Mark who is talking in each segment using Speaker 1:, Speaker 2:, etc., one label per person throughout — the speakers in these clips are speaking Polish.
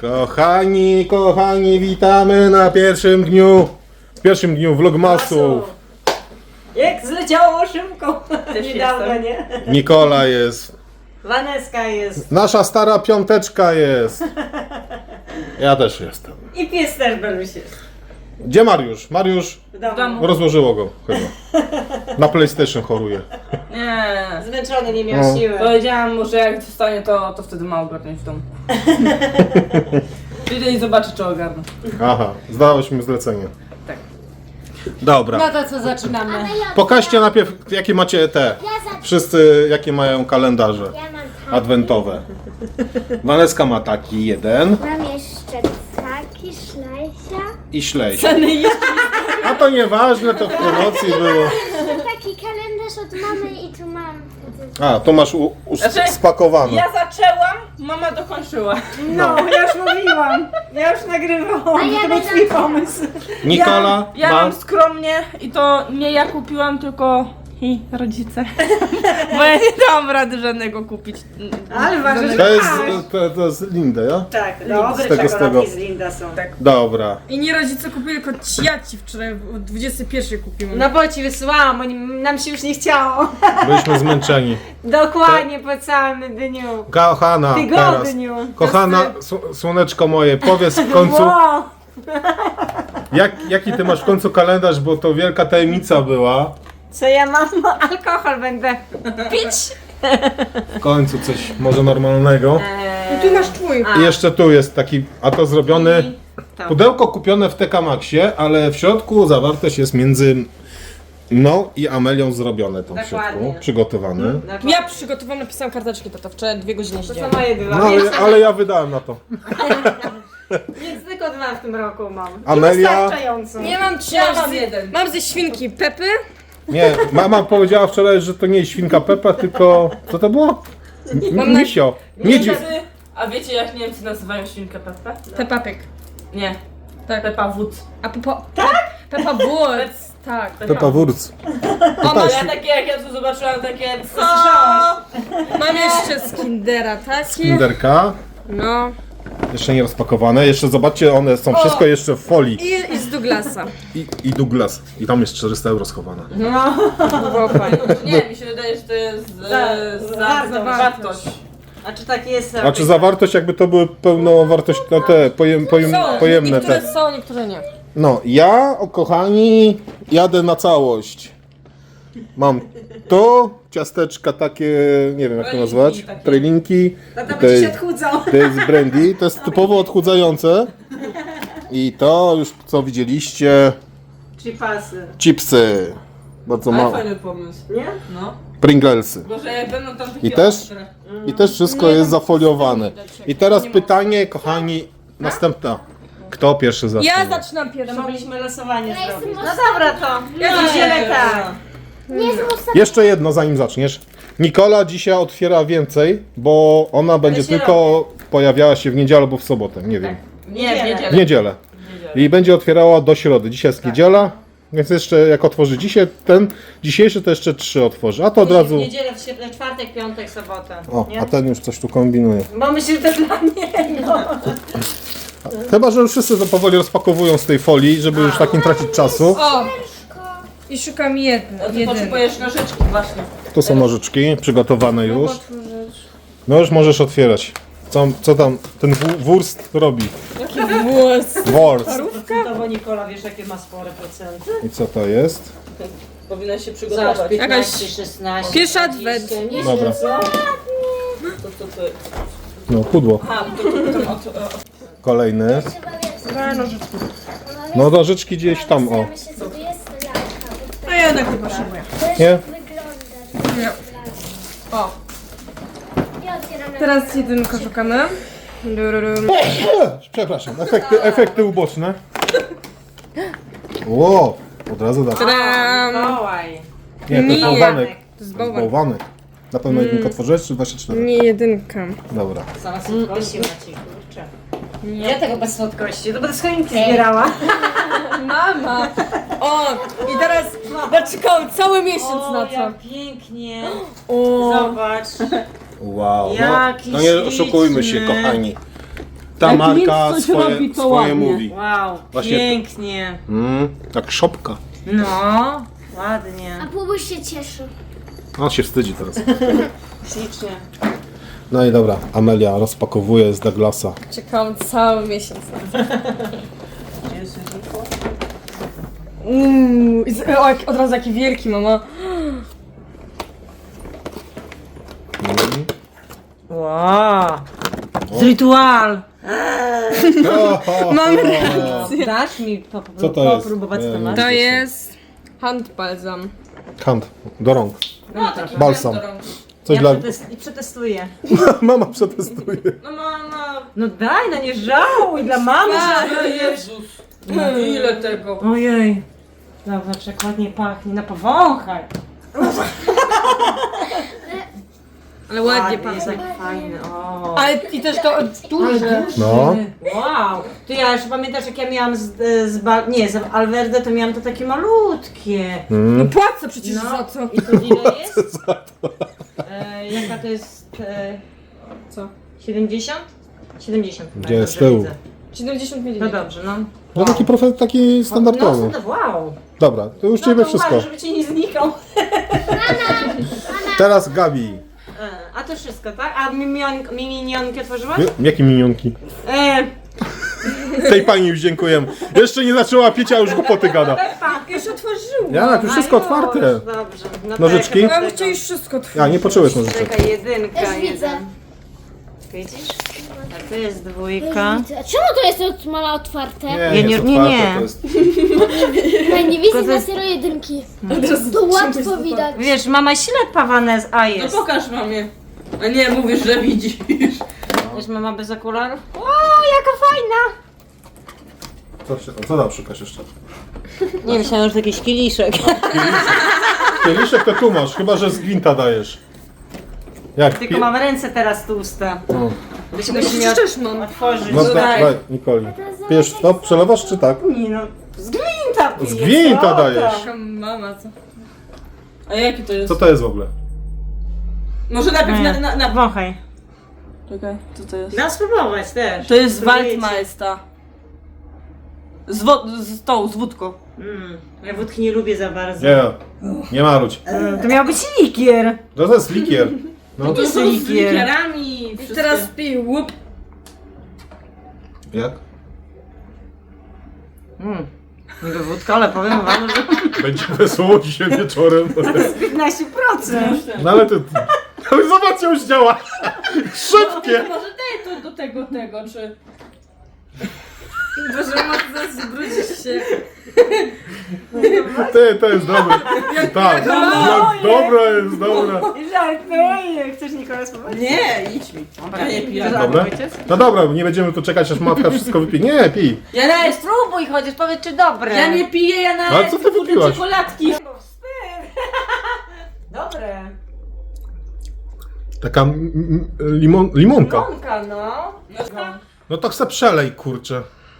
Speaker 1: Kochani, witamy na pierwszym dniu vlogmasu.
Speaker 2: Jak zleciało szybko.
Speaker 3: Też
Speaker 2: Niedawno,
Speaker 3: jestem.
Speaker 2: nie?
Speaker 1: Nikola jest.
Speaker 2: Waneska jest.
Speaker 1: Nasza stara piąteczka jest. Ja też jestem.
Speaker 2: I pies też Beluś jest.
Speaker 1: Gdzie Mariusz? Mariusz
Speaker 2: W domu.
Speaker 3: domu.
Speaker 1: rozłożyło go chyba. Na PlayStation choruje.
Speaker 3: Nie.
Speaker 2: Zmęczony, nie miał
Speaker 1: No.
Speaker 2: siły.
Speaker 3: Powiedziałam mu, że jak dostanie, to wtedy ma ogarnąć w domu. Przyjdę i zobaczę, czy ogarnę.
Speaker 1: Aha, zdałeś mi zlecenie.
Speaker 3: Tak.
Speaker 1: Dobra.
Speaker 2: No to co zaczynamy?
Speaker 1: Pokażcie najpierw, jakie macie te. Wszyscy, jakie mają kalendarze
Speaker 4: Ja mam taki.
Speaker 1: adwentowe. Waneska ma taki jeden
Speaker 4: Mam jeszcze taki szlajsia.
Speaker 1: i ślejś.
Speaker 3: Ceny jeszcze
Speaker 1: A to nieważne, to w promocji było.
Speaker 4: Taki kalendarz od mamy i tu mam.
Speaker 1: A, to masz
Speaker 3: Znaczy,
Speaker 1: spakowane.
Speaker 3: ja zaczęłam, mama dokończyła.
Speaker 2: No, ja już mówiłam. Ja już nagrywałam.
Speaker 4: A ja
Speaker 2: To był
Speaker 4: będę-
Speaker 2: twój pomysł.
Speaker 1: Nikola
Speaker 3: Ja
Speaker 1: ma...
Speaker 3: mam skromnie i to nie ja kupiłam, tylko rodzice. Bo ja nie dałam rady żadnego kupić.
Speaker 2: Ale ważne, że
Speaker 1: To jest,
Speaker 2: masz.
Speaker 1: to jest Linda, ja?
Speaker 2: Tak, dobre
Speaker 1: z tego.
Speaker 2: czekoladki z Linda są.
Speaker 3: Tak.
Speaker 1: Dobra.
Speaker 5: I nie rodzice kupili, tylko ja ci wczoraj o 21 kupiłam.
Speaker 2: No bo ci wysłałam, bo nam się już nie chciało.
Speaker 1: Byliśmy zmęczeni.
Speaker 2: Dokładnie po całym dniu.
Speaker 1: Kochana, teraz.
Speaker 2: Tygodniu.
Speaker 1: Kochana, słoneczko moje, powiedz w końcu,
Speaker 2: Wow.
Speaker 1: jaki ty masz w końcu kalendarz, bo to wielka tajemnica była.
Speaker 2: Co ja mam? Alkohol będę pić.
Speaker 1: W końcu coś może normalnego.
Speaker 5: I tu masz twój.
Speaker 1: I jeszcze tu jest taki, a to zrobiony,
Speaker 2: to.
Speaker 1: pudełko kupione w TK Maxie, ale w środku zawartość jest między mną i Amelią zrobione to w środku,
Speaker 2: Dokładnie.
Speaker 1: przygotowane.
Speaker 5: Ja przygotowałam, napisałam karteczki, to wczoraj 2 godziny
Speaker 2: To
Speaker 5: siedziałam.
Speaker 2: są moje dwa.
Speaker 1: No ale ja wydałem na to.
Speaker 2: Więc tylko dwa w tym roku mam. I
Speaker 1: Amelia?
Speaker 2: wystarczająco.
Speaker 5: Nie mam 3,
Speaker 3: Ja mam jeden.
Speaker 5: Mam ze świnki Pepy.
Speaker 1: Nie, mama powiedziała wczoraj, że to nie jest świnka Pepa, tylko co to było? Misio. Miedzi.
Speaker 3: A wiecie, jak Niemcy nazywają świnkę Peppę?
Speaker 5: Peppa Pig.
Speaker 3: Nie.
Speaker 5: Tak.
Speaker 3: Peppa Woods.
Speaker 5: A Peppa... Tak? Peppa Woods. Tak.
Speaker 1: Pepa Wurz.
Speaker 3: O, ja takie, jak ja tu zobaczyłam, takie co?
Speaker 5: Mam jeszcze z Kindera taki.
Speaker 1: Kinderka.
Speaker 5: No.
Speaker 1: Jeszcze nie rozpakowane. Jeszcze zobaczcie, one są wszystko jeszcze w folii.
Speaker 5: I z Douglasa.
Speaker 1: I Douglas. I tam jest 400 euro schowane.
Speaker 5: To było fajne.
Speaker 3: Nie, mi się wydaje, że to jest za wartość.
Speaker 2: A czy tak jest?
Speaker 1: Znaczy zawartość jakby to były pełnowartościowe te pojemne
Speaker 5: Niektóre
Speaker 1: te.
Speaker 5: są, niektóre nie.
Speaker 1: No, ja, kochani, jadę na całość. Mam to, ciasteczka takie, nie wiem jak to nazwać,
Speaker 3: takie.
Speaker 1: pralinki.
Speaker 2: Tata
Speaker 1: To
Speaker 2: będzie się
Speaker 1: jest,
Speaker 2: odchudzał.
Speaker 1: to jest brandy, to jest typowo odchudzające. I to już co widzieliście,
Speaker 2: Chipasy.
Speaker 1: chipsy. Bardzo
Speaker 3: Ale
Speaker 1: mało.
Speaker 3: fajny pomysł.
Speaker 2: Nie?
Speaker 3: No.
Speaker 1: Pringlesy.
Speaker 3: Może jak będą tam takie
Speaker 1: I też?
Speaker 3: ostre.
Speaker 1: I też wszystko jest zafoliowane. I teraz pytanie, kochani, następna. Kto pierwszy zacznie?
Speaker 5: Ja zaczynam pierwszy.
Speaker 2: Mogliśmy losowanie
Speaker 4: Ja
Speaker 2: zrobić.
Speaker 4: jestem
Speaker 2: No dobra to.
Speaker 5: Ja
Speaker 2: Idziemy tak.
Speaker 4: Nie zmuszę.
Speaker 1: Jeszcze jedno, zanim zaczniesz. Nikola dzisiaj otwiera więcej, bo ona będzie
Speaker 2: się
Speaker 1: tylko pojawiała się w niedzielę albo w sobotę, nie wiem.
Speaker 3: Nie, w
Speaker 1: W
Speaker 3: niedzielę.
Speaker 1: niedzielę. I będzie otwierała do środy. Dzisiaj jest niedziela, więc jeszcze jak otworzy dzisiaj ten dzisiejszy, to jeszcze 3 otworzy. A to od razu.
Speaker 2: W niedzielę, w czwartek, piątek, sobotę.
Speaker 1: O,
Speaker 2: Nie?
Speaker 1: a ten już coś tu kombinuje.
Speaker 2: Bo myślę, że to dla niego.
Speaker 1: Chyba, że już wszyscy to powoli rozpakowują z tej folii, żeby już tak nie tracić czasu.
Speaker 5: O! I szukam
Speaker 3: No ty
Speaker 5: jeden.
Speaker 3: potrzebujesz nożyczki właśnie.
Speaker 1: Tu są nożyczki przygotowane już. No już możesz otwierać. Co tam ten wurst robi?
Speaker 5: Włos.
Speaker 1: Wurst.
Speaker 2: Procentowo Nikola, wiesz jakie ma spore procenty?
Speaker 1: I co to jest?
Speaker 3: Powinna się
Speaker 2: Zobacz,
Speaker 3: przygotować.
Speaker 2: 15, 16,
Speaker 5: Pierwszy
Speaker 2: 20,
Speaker 5: adwent.
Speaker 2: nie
Speaker 1: Dobra.
Speaker 2: co?
Speaker 3: To.
Speaker 1: No, pudło.
Speaker 3: Aha, to
Speaker 1: Kolejny.
Speaker 4: Trzeba wiesz.
Speaker 1: No nożyczki gdzieś tam, o.
Speaker 4: Myślę, że to jest lalka.
Speaker 5: A ja jednak nie potrzebuję.
Speaker 4: To
Speaker 1: Nie?
Speaker 4: jeszcze wygląda.
Speaker 5: Nie. O,
Speaker 4: Ja otwieram na
Speaker 5: teraz jedynkę szukamy. Dururum.
Speaker 1: Przepraszam, efekty uboczne. Ło, od razu da.
Speaker 5: Tadam!
Speaker 2: Mikołaj.
Speaker 1: Nie, to jest
Speaker 5: Nie.
Speaker 1: bałwanek.
Speaker 5: To jest
Speaker 1: To jest
Speaker 5: bałwan.
Speaker 1: bałwanek. Na pewno jedynkę otworzyłeś, czy 24?
Speaker 5: Nie jedynka.
Speaker 1: Dobra.
Speaker 2: Sama słodkości Maciej, kurczę. Ja tego bez słodkości, to będę z choinki zbierała.
Speaker 5: Mama! O! I teraz czekałam cały miesiąc na to.
Speaker 2: jak pięknie.
Speaker 5: O!
Speaker 2: Zobacz.
Speaker 1: Wow.
Speaker 2: Jaki
Speaker 1: No nie oszukujmy się,
Speaker 2: śliczny.
Speaker 1: kochani. ta
Speaker 3: Jak
Speaker 1: marka
Speaker 3: nic coś robi, to
Speaker 1: swoje
Speaker 3: ładnie.
Speaker 1: mówi.
Speaker 2: Wow,
Speaker 1: Właśnie
Speaker 2: pięknie.
Speaker 1: Jak szopka.
Speaker 2: No, ładnie.
Speaker 4: A Pubuś się cieszy.
Speaker 1: On się wstydzi teraz.
Speaker 2: Ślicznie.
Speaker 1: No i dobra, Amelia rozpakowuje z Douglasa.
Speaker 5: Czekałam cały miesiąc na to. O, od razu jaki wielki, mama.
Speaker 2: Wow. Z rytual.
Speaker 5: Mamy
Speaker 2: Dasz mi
Speaker 1: Co to jest?
Speaker 2: popróbować
Speaker 1: Nie,
Speaker 2: to
Speaker 1: nie.
Speaker 2: masz?
Speaker 5: To jest hand balsam.
Speaker 1: Hand, do rąk.
Speaker 2: No, tak.
Speaker 1: Balsam. Coś
Speaker 2: Ja
Speaker 1: dla...
Speaker 2: przetestuję.
Speaker 1: Mama przetestuje.
Speaker 3: No mama,
Speaker 2: No daj, no nie żałuj, dla mamy.
Speaker 3: Jezus. Ile tego?
Speaker 2: Ojej. Zobacz, jak ładnie pachnie. No powąchaj.
Speaker 5: Ale ładnie
Speaker 2: Ładnie, jest
Speaker 5: pachnie.
Speaker 2: tak fajny. O.
Speaker 5: Ale i też to duże.
Speaker 1: No.
Speaker 2: Wow. To ja jeszcze pamiętasz, jak ja miałam z Alverde, to miałam to takie malutkie.
Speaker 5: No płacę przecież
Speaker 2: No.
Speaker 5: za to.
Speaker 2: I to ile jest? Jaka to jest?
Speaker 5: Co?
Speaker 2: 70? 70.
Speaker 1: Gdzie
Speaker 2: tak,
Speaker 1: jest
Speaker 2: dobrze
Speaker 1: z tyłu?
Speaker 2: widzę.
Speaker 5: 70
Speaker 2: No
Speaker 5: ml.
Speaker 2: dobrze, no.
Speaker 1: No taki standardowy.
Speaker 2: No, wow.
Speaker 1: Dobra, to już
Speaker 2: No
Speaker 1: ciebie
Speaker 2: to
Speaker 1: wszystko.
Speaker 2: uważaj, żeby ci nie znikał.
Speaker 1: Teraz Gabi.
Speaker 2: A to wszystko, tak? A minionki otworzyłaś?
Speaker 1: Jakie minionki? Tej pani już dziękujemy. Jeszcze nie zaczęła pić, a już głupoty gada.
Speaker 5: Już otworzyłam.
Speaker 1: Ja, tu wszystko otwarte.
Speaker 2: Dobrze. No to
Speaker 1: Nożyczki?
Speaker 2: jaka
Speaker 5: Ja
Speaker 2: to
Speaker 5: bym chciała już wszystko otworzyć.
Speaker 1: Ja, nie poczułeś nożyczek.
Speaker 2: Czekaj, jedynka,
Speaker 4: Też widzę.
Speaker 2: jeden. Widzisz? A to jest dwójka.
Speaker 4: A czemu to jest od mala otwarte?
Speaker 1: Nie,
Speaker 2: nie,
Speaker 1: jest
Speaker 2: nie,
Speaker 1: otwarte,
Speaker 2: nie.
Speaker 1: to jest...
Speaker 4: Ja nie widzę
Speaker 2: Tylko
Speaker 4: na
Speaker 2: to-
Speaker 4: serio jedynki. To łatwo widać.
Speaker 2: Wiesz, mama ślepa Vanessa, a
Speaker 3: No
Speaker 2: jest.
Speaker 3: pokaż mamie. A nie, mówisz, że widzisz.
Speaker 2: Wiesz, mama bez okularów? O, jaka fajna!
Speaker 1: Co tam szukasz jeszcze?
Speaker 2: Nie, myślałam, że to jakiś kieliszek.
Speaker 1: Kieliszek to tu masz, chyba że z gwinta dajesz. Jak?
Speaker 2: Tylko mam ręce teraz tłuste.
Speaker 1: No,
Speaker 2: Byśmy miał
Speaker 5: Przecież mam.
Speaker 2: otworzyć.
Speaker 1: no
Speaker 3: daj.
Speaker 1: daj, Nikoli. Pijesz to? Przelewasz czy tak?
Speaker 2: Nie no, z gwinta piję,
Speaker 1: Z gwinta
Speaker 2: co
Speaker 1: dajesz.
Speaker 2: tam?
Speaker 5: Taka mama, co?
Speaker 3: A jaki to jest?
Speaker 1: Co to jest w ogóle?
Speaker 3: Może najpierw na...
Speaker 2: Wąchaj.
Speaker 3: Czekaj, co to jest?
Speaker 2: Dam spróbować też.
Speaker 3: To jest
Speaker 2: Spróbujecie.
Speaker 3: Waldmeister. Z wódką.
Speaker 2: Ja wódki nie lubię za bardzo.
Speaker 1: Nie, nie marudź.
Speaker 2: To miał być likier.
Speaker 1: To jest likier. No,
Speaker 2: To jest
Speaker 3: Są z
Speaker 2: likier.
Speaker 3: likierami.
Speaker 5: I
Speaker 3: wszystkie.
Speaker 5: teraz pij łup.
Speaker 1: jak?
Speaker 2: Niby wódka, ale powiem wam, że
Speaker 1: Będzie wesoło dzisiaj wieczorem.
Speaker 2: 15%.
Speaker 1: No ale to... Ale zobacz, już działa. Szybkie.
Speaker 3: Może daj to do tego, czy...
Speaker 5: Boże, mama, zaraz zbrudzisz się.
Speaker 1: Ty, to jest dobre. Tak, dobra jest, dobra.
Speaker 2: Żartuję. Chcesz Nikola spróbować?
Speaker 3: Nie, idź mi. Ja nie piję.
Speaker 1: Dobre? No dobra, nie będziemy tu czekać, aż matka wszystko wypije. Nie, pij.
Speaker 3: Ja
Speaker 2: Nie, spróbuj chociaż, powiedz czy dobre.
Speaker 3: Ja nie piję, ja na
Speaker 1: Ale co ty wypiłaś?
Speaker 3: czekoladki.
Speaker 2: Dobre.
Speaker 1: Taka limonka.
Speaker 2: Monka, no.
Speaker 1: No to chcę przelej, kurczę.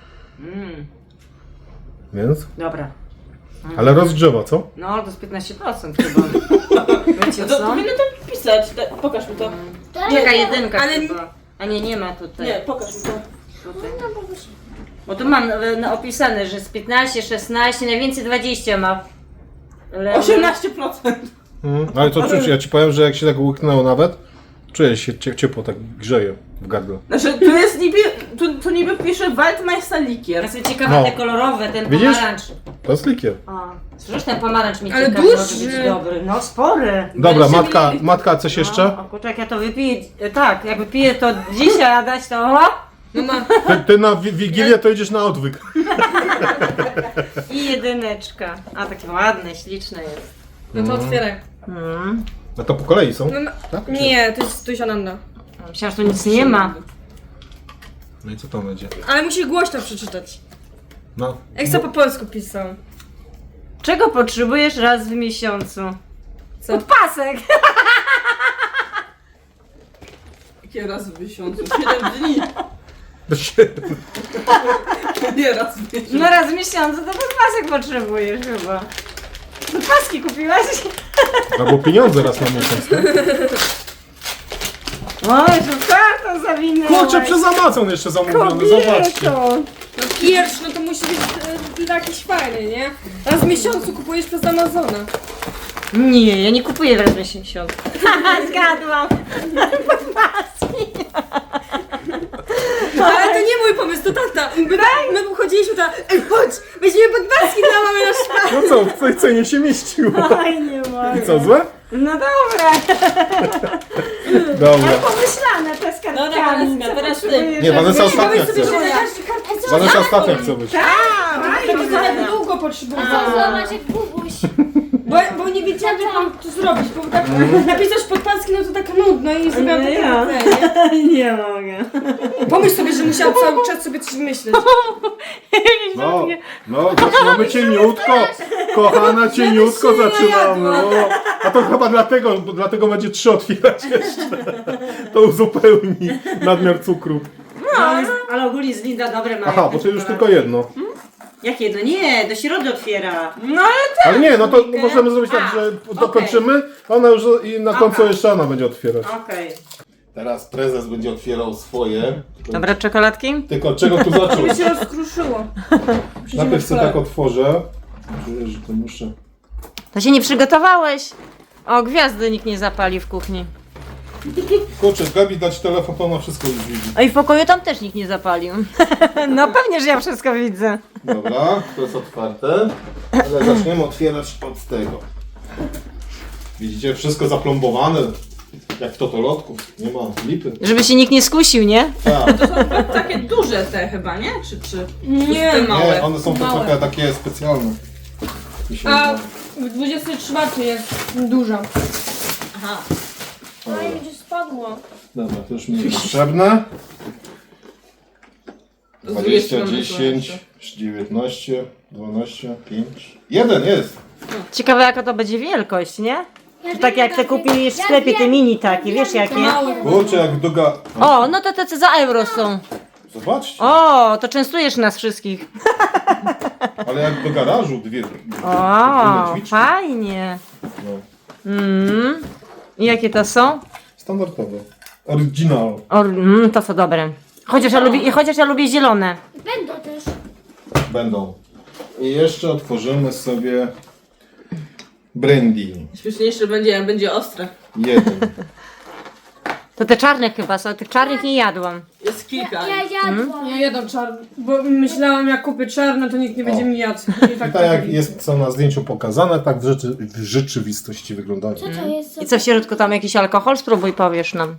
Speaker 1: Więc?
Speaker 2: Dobra.
Speaker 1: Ale rozgrzewa, co?
Speaker 2: No, to jest 15% chyba. Wiecie
Speaker 3: No to
Speaker 2: co?
Speaker 3: powinno to pisać. Pokaż mi to.
Speaker 2: Jaka jedynka
Speaker 3: ale-
Speaker 2: chyba. A nie ma tutaj.
Speaker 3: Nie, pokaż mi to.
Speaker 2: Tutaj. Bo tu mam opisane, że z 15, 16, najwięcej 20 ma. Ale-
Speaker 3: 18%.
Speaker 1: Ale to czuć, ja ci powiem, że jak się tak łyknęło nawet, czuję się ciepło, tak grzeje w gardle.
Speaker 3: Znaczy, tu jest niby, tu niby pisze Waldmeister
Speaker 2: Ja
Speaker 3: likier.
Speaker 2: jestem ciekawa,
Speaker 1: No.
Speaker 2: te kolorowe, ten
Speaker 1: Widzisz?
Speaker 2: pomarańcz.
Speaker 1: To jest likier.
Speaker 2: O, słyszysz, ten pomarańcz mi
Speaker 5: Ale
Speaker 2: ciekawy, może
Speaker 5: duży.
Speaker 2: być dobry. No, spory.
Speaker 1: Dobra,
Speaker 3: 20
Speaker 1: matka, coś jeszcze?
Speaker 2: No, o kurczę, jak ja to wypiję, tak, jak wypiję to dzisiaj, a dać to, o,
Speaker 5: Mama,
Speaker 1: Ty na Wigilię to idziesz na odwyk.
Speaker 2: i jedyneczka. A, takie ładne, śliczne jest.
Speaker 5: no to otwieraj.
Speaker 1: No to po kolei są?
Speaker 5: Mama,
Speaker 1: Tak?
Speaker 5: nie, to jest Tusiananda.
Speaker 2: Myślałam, że tu nic nie ma.
Speaker 1: No i co tam będzie?
Speaker 5: Ale musisz głośno przeczytać.
Speaker 1: No.
Speaker 5: Jak co po polsku pisał.
Speaker 2: Czego potrzebujesz raz w miesiącu?
Speaker 5: Co?
Speaker 2: Pasek!
Speaker 3: Jakie raz w miesiącu? 7 dni. Nie raz w miesiącu.
Speaker 2: No raz w miesiącu to pasek potrzebujesz chyba. No paski kupiłaś?
Speaker 1: Albo pieniądze raz na miesiąc, tak?
Speaker 2: O, jeszcze kartę zawinęłaś.
Speaker 1: Kurczę, przez Amazon jeszcze zamówione, zobaczcie.
Speaker 5: No pierwszy, no to musi być jakiś fajny, nie? Raz w miesiącu kupujesz przez Amazona.
Speaker 2: Nie, ja nie kupuję raz w miesiącu. Haha, zgadłam.
Speaker 5: Ale to nie mój pomysł, to tata. My chodziliśmy tam, ej chodź, weźmiemy podpaski dla mamy na szpach.
Speaker 1: No co, w tej cenie się mieściło.
Speaker 2: Oj, nie mogę.
Speaker 1: I co, złe?
Speaker 2: No dobra.
Speaker 1: Dobra.
Speaker 2: Pomyślane te z
Speaker 5: Dobra,
Speaker 2: kartkami.
Speaker 5: Vanessa, teraz ty.
Speaker 1: Nie, Vanessa ostatnia
Speaker 5: Powiedz sobie,
Speaker 1: chce.
Speaker 5: że każdy kartę
Speaker 1: Vanessa ostatnia chce być.
Speaker 5: to trochę długo potrzebuje.
Speaker 4: Zobacz jak bubuś.
Speaker 5: Bo nie wiedziałam, jak mam to zrobić, bo tak napisać podpaski, no to tak nudno i zrobiłam takie
Speaker 2: ja.
Speaker 5: nie?
Speaker 2: Nie mogę.
Speaker 5: Pomyśl sobie, że musiałam cały czas sobie coś myśleć.
Speaker 1: No, zaczynamy cieniutko. Kochana, cieniutko zaczynamy. O, a to chyba dlatego będzie 3 otwierać jeszcze. To uzupełni nadmiar cukru.
Speaker 2: Ale ogólnie jest Linda dobre ma.
Speaker 1: Aha, bo to już tylko jedno.
Speaker 2: Jak jedno? Nie, do środy otwiera.
Speaker 1: Ale nie, no to możemy zrobić tak, że dokończymy, a ona już i na końcu jeszcze ona będzie otwierać.
Speaker 2: Okej.
Speaker 1: Teraz prezes będzie otwierał swoje.
Speaker 2: Dobra, czekoladki?
Speaker 1: Tylko od czego tu zacząć?
Speaker 5: się rozkruszyło.
Speaker 1: Najpierw sobie tak otworzę. Czuję, że to muszę.
Speaker 2: To się nie przygotowałeś. O, gwiazdy nikt nie zapali w kuchni.
Speaker 1: Kurczę, Gabi dać telefon, to ona wszystko już widzi.
Speaker 2: A i w pokoju tam też nikt nie zapalił. No pewnie, że ja wszystko widzę.
Speaker 1: Dobra, to jest otwarte. Ale zaczniemy otwierać od tego. Widzicie, wszystko zaplombowane. Jak w totolotku. Nie ma lipy.
Speaker 2: Żeby się nikt nie skusił, nie?
Speaker 1: Tak.
Speaker 3: Takie duże te chyba, nie? Czy
Speaker 5: Nie,
Speaker 1: Nie, one są to trochę takie specjalne. Mi się
Speaker 5: A
Speaker 1: wydaje.
Speaker 5: w 24 jest duża.
Speaker 3: Aha.
Speaker 5: Oj, gdzie spadło.
Speaker 1: Dobra, to już mi jest potrzebne. 20, 10, 19, 12, 5. 1 jest!
Speaker 2: Ciekawe jaka to będzie wielkość, nie? To tak jak te kupisz w sklepie, te mini takie, wiesz jakie?
Speaker 1: Kurczę, jak doga...
Speaker 2: O, no to te za euro są.
Speaker 1: Zobaczcie,
Speaker 2: O, to częstujesz nas wszystkich.
Speaker 1: ale jak do garażu dwie
Speaker 2: O,
Speaker 1: drzwiczki.
Speaker 2: fajnie.
Speaker 1: No.
Speaker 2: I jakie to są?
Speaker 1: Standardowe. Original.
Speaker 2: To są dobre. Chociaż ja lubię zielone.
Speaker 4: Będą też.
Speaker 1: Będą. I jeszcze otworzymy sobie brandy.
Speaker 3: Śmieszniejsze będzie, jak będzie ostre.
Speaker 1: 1.
Speaker 2: To te czarne chyba są, tych czarnych nie jadłam.
Speaker 3: Jest kilka.
Speaker 4: Ja jadłam.
Speaker 5: Ja jadam czarny, bo myślałam jak kupię czarne, to nikt nie będzie mi jadł. I
Speaker 1: I tak jak jest co na zdjęciu pokazane, tak w rzeczywistości wyglądają.
Speaker 4: Co to jest?
Speaker 2: I co w środku tam jakiś alkohol? Spróbuj, powiesz nam.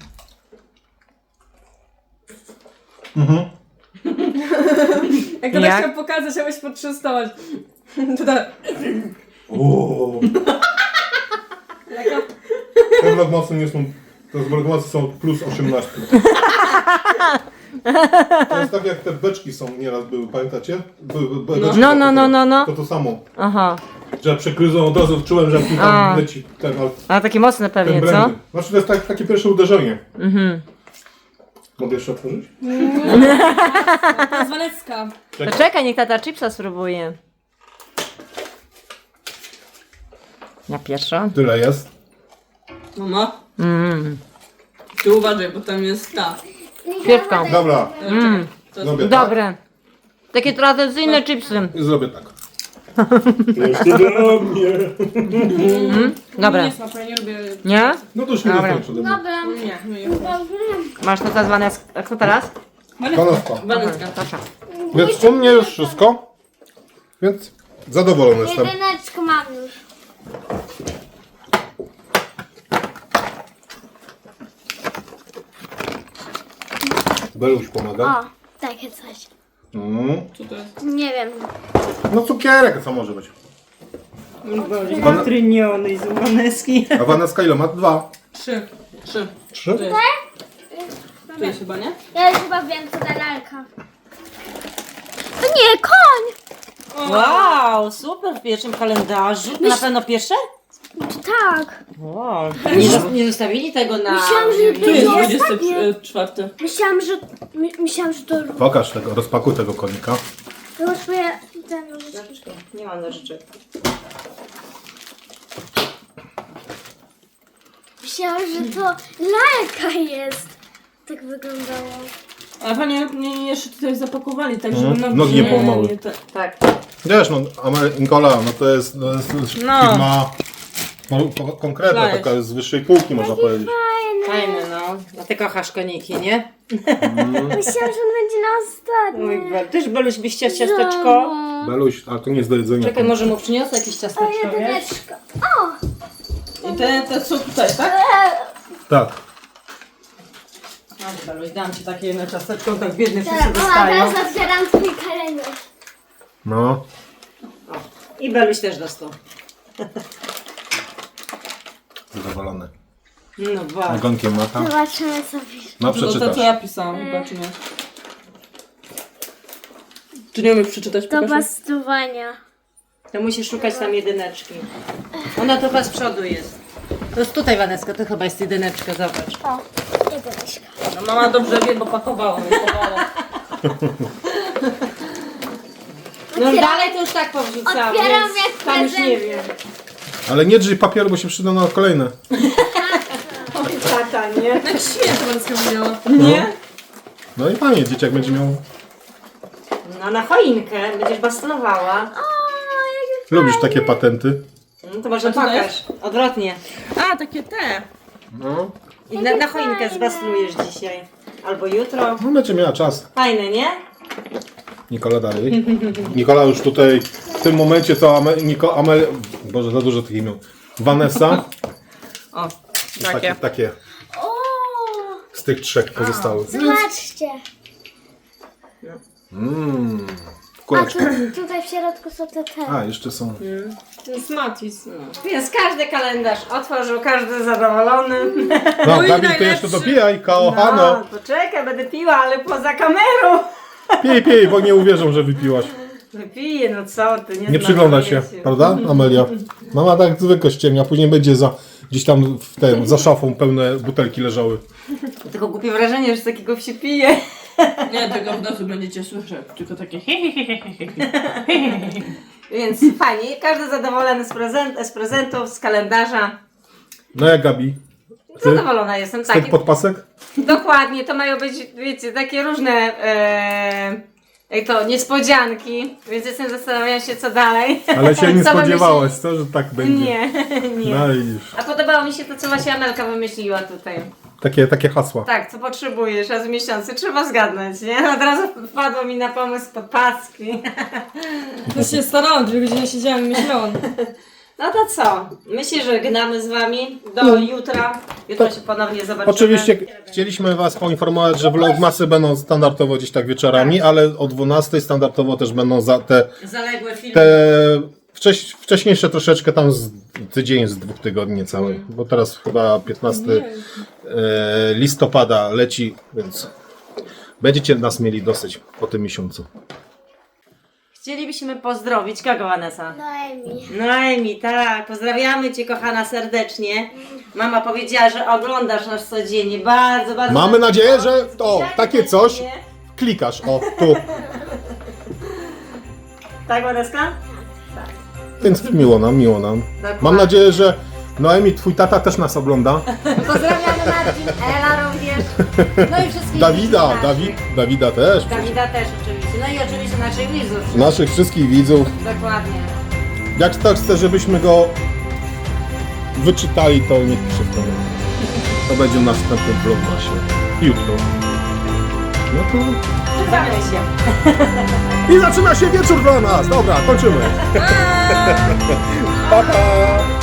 Speaker 5: Jak to
Speaker 2: Jak?
Speaker 5: chciał pokazać, abyś potrzestować. To tak.
Speaker 1: Ooo. Te vlogmasy nie są... Te vlogmasy są plus 18. To jest tak jak te beczki są nieraz były, pamiętacie? Beczki
Speaker 2: No.
Speaker 1: To samo.
Speaker 2: Aha.
Speaker 1: Że przekryzą od razu czułem, że mi
Speaker 2: A.
Speaker 1: tam leci ten,
Speaker 2: A takie mocne
Speaker 1: ten
Speaker 2: pewnie, co?
Speaker 1: brandy. Znaczy to jest takie pierwsze uderzenie. Mogę jeszcze otworzyć?
Speaker 5: To jest Walecka.
Speaker 2: To czekaj, niech tata chipsa spróbuje. Ja pierwsza.
Speaker 1: Tyle jest.
Speaker 3: Mama? Ty uważaj, bo tam jest ta.
Speaker 2: Świeczką.
Speaker 1: Dobra,
Speaker 3: To jest...
Speaker 1: zrobię tak.
Speaker 2: Dobre. Takie tradycyjne chipsy.
Speaker 1: I zrobię tak. Jeszcze dla mnie.
Speaker 2: Dobre.
Speaker 5: Nie smakuje, nie lubię.
Speaker 2: Nie?
Speaker 1: No to już nie
Speaker 2: Dobra.
Speaker 1: dostaniesz ode mnie.
Speaker 4: Dobra.
Speaker 5: Nie.
Speaker 2: Masz to zwane. A kto teraz?
Speaker 1: Kanapka.
Speaker 3: Walentka.
Speaker 2: Proszę.
Speaker 1: Więc u mnie już wszystko. Więc zadowolony jestem.
Speaker 4: Jedyneczkę mam już.
Speaker 1: Beluś pomaga.
Speaker 4: O, takie coś.
Speaker 3: Co to jest?
Speaker 4: Nie wiem.
Speaker 1: No cukierek, co może być?
Speaker 2: Tryniony z Umaneski.
Speaker 1: A Vanessa ile ma? 2.
Speaker 3: 3.
Speaker 1: 3?
Speaker 3: To jest. To jest chyba, nie?
Speaker 4: Ja już chyba wiem, co ta lalka. To nie, koń!
Speaker 2: Wow, super w pierwszym kalendarzu. Na pewno pierwsze?
Speaker 4: To tak.
Speaker 2: Wow. Nie zostawili tego na...
Speaker 4: Myślałam, że
Speaker 3: Tu jest
Speaker 4: to ostatnie.
Speaker 3: 24.
Speaker 4: Myślałam, że to...
Speaker 1: Pokaż tego, rozpakuj tego konika.
Speaker 4: Zobacz, moje... ten nożyczki.
Speaker 2: Nie mam nożyczek.
Speaker 4: Myślałam, że to lalka jest. tak wyglądało.
Speaker 3: A panie mnie jeszcze tutaj zapakowali, tak żeby
Speaker 1: Mhm. Nogi nie połamały.
Speaker 2: Tak.
Speaker 1: Wiesz, no Nikola, no to jest firma konkretna,
Speaker 3: Szlajesz.
Speaker 1: taka z wyższej półki można powiedzieć.
Speaker 2: Fajne, no. A ty kochasz koniki, nie?
Speaker 4: Myślałam, że on będzie na
Speaker 2: Mój
Speaker 4: ostatnim.
Speaker 2: Bel. Też Beluś byś chciał ciasteczko?
Speaker 1: Beluś, ale to nie jest do jedzenia.
Speaker 2: Czekaj, może mu przyniosę jakieś ciasteczko, wiesz?
Speaker 4: Jedyneczka.
Speaker 3: I te są tutaj, tak?
Speaker 1: Tak.
Speaker 2: No, Beluś, dam ci takie jedno ciasteczko, tak biedny wszyscy
Speaker 4: Teraz,
Speaker 2: dostają.
Speaker 4: teraz otwieram twój kalendarz.
Speaker 1: No.
Speaker 2: I Beluś też dostał.
Speaker 1: Zadowolony.
Speaker 2: No bardzo.
Speaker 1: Ogonkiem mata.
Speaker 4: Zobaczymy co pisze.
Speaker 1: No
Speaker 3: To, to
Speaker 1: przeczytasz.
Speaker 3: co ja pisałam, chyba, czy nie? Czy nie umiesz przeczytać?
Speaker 4: Do
Speaker 3: Pokaż mi.
Speaker 4: bastowania.
Speaker 2: To musisz szukać tam jedyneczki. Ona to chyba z przodu jest. To jest tutaj, Waneska, to chyba jest jedyneczka, zobacz.
Speaker 4: O, jedyneczka.
Speaker 3: No mama dobrze wie, bo pakowała.
Speaker 2: No dalej to już tak powrzucałam,
Speaker 4: Otwieram
Speaker 2: więc
Speaker 4: jak
Speaker 2: tam już nie
Speaker 4: prezenty.
Speaker 2: wiem.
Speaker 1: Ale nie drzyj papieru, bo się przyda na kolejne.
Speaker 2: Oj, tata, nie?
Speaker 3: Jak świetnie Wanska mówiła.
Speaker 2: Nie?
Speaker 1: No i fajnie, dzieciak będzie miał...
Speaker 2: No na choinkę będziesz bastonowała.
Speaker 1: Lubisz takie patenty?
Speaker 2: No to może
Speaker 3: A co to
Speaker 2: pokaż. Odwrotnie.
Speaker 3: A, takie te.
Speaker 1: No.
Speaker 2: I na choinkę zbastlujesz dzisiaj. Albo jutro.
Speaker 1: No będzie miała czas.
Speaker 2: Fajne, nie?
Speaker 1: Nikola dalej. Nikola już tutaj w tym momencie to Boże, za dużo tych imion. Vanessa.
Speaker 3: O,
Speaker 1: Takie
Speaker 4: O,
Speaker 1: z tych trzech pozostałych.
Speaker 4: zobaczcie. A
Speaker 1: Kuleczki.
Speaker 4: tutaj w środku są te.
Speaker 1: A, jeszcze są.
Speaker 3: To jest Matis.
Speaker 2: Więc każdy kalendarz otworzył, każdy zadowolony.
Speaker 1: No,
Speaker 3: Mój
Speaker 1: Dawid, ty
Speaker 3: najlepszy.
Speaker 1: jeszcze dopijaj, kochano.
Speaker 2: No, poczekaj, będę piła, ale poza kamerą.
Speaker 1: Pij, bo nie uwierzą, że wypiłaś.
Speaker 2: Wypiję, no co ty,
Speaker 1: Nie przygląda się, prawda, Amelia? Mama tak zwykle ściemnia, później będzie gdzieś tam za szafą pełne butelki leżały.
Speaker 2: Tylko głupie wrażenie, że z takiego się pije.
Speaker 3: Nie, tego w nocy będziecie słyszeć. Tylko takie
Speaker 2: Więc fajnie, każdy zadowolony z prezentów, z kalendarza.
Speaker 1: No jak Gabi? Ty?
Speaker 2: Zadowolona jestem,
Speaker 1: Z
Speaker 2: tak.
Speaker 1: tych podpasek?
Speaker 2: Dokładnie, to mają być, wiecie, takie różne jak to, niespodzianki, więc jestem zastanawiam się, co dalej.
Speaker 1: Ale się nie
Speaker 2: Co
Speaker 1: spodziewałaś, co, że tak będzie?
Speaker 2: Nie, nie.
Speaker 1: No widzisz.
Speaker 2: A podobało mi się to, co właśnie Amelka wymyśliła tutaj.
Speaker 1: Takie hasła.
Speaker 2: Tak, co potrzebujesz raz w miesiącu, trzeba zgadnąć, nie? Od razu wpadło mi na pomysł podpaski.
Speaker 5: To się starałam, 2 godziny siedziałam i myślałam.
Speaker 2: No to co? Myślę, że gnamy z wami do jutra. Jutro się ponownie zobaczymy.
Speaker 1: Oczywiście chcieliśmy Was poinformować, że vlogmasy będą standardowo gdzieś tak wieczorami, ale o 12 standardowo też będą te
Speaker 2: Zaległe filmy.
Speaker 1: wcześniejsze troszeczkę tam tydzień z 2 tygodni cały, bo teraz chyba 15 listopada leci, więc będziecie nas mieli dosyć po tym miesiącu.
Speaker 2: Chcielibyśmy pozdrowić kogo, Vanessa?
Speaker 4: Noemi.
Speaker 2: Noemi, tak. Pozdrawiamy Cię, kochana, serdecznie. Mama powiedziała, że oglądasz nas codziennie. Bardzo, bardzo.
Speaker 1: Mamy nadzieję, że to takie coś klikasz, o tu,
Speaker 2: Tak, Vaneska?
Speaker 1: więc miło nam.
Speaker 2: Dokładnie.
Speaker 1: Mam nadzieję, że Noemi, twój tata też nas ogląda.
Speaker 2: Pozdrawiamy Marcin, Ela również. No i wszystkich
Speaker 1: Dawida,
Speaker 2: widzów naszych.
Speaker 1: Dawida też.
Speaker 2: Dawida też oczywiście. No i oczywiście naszych widzów.
Speaker 1: Naszych wszystkich widzów.
Speaker 2: Dokładnie.
Speaker 1: Jak tak chce, żebyśmy go wyczytali, to niech pisze w komentarzach. To będzie w następnym vlogmasie. Jutro. No to...
Speaker 2: Żegnamy się.
Speaker 1: I zaczyna się wieczór dla nas! Dobra, kończymy. Pa, pa!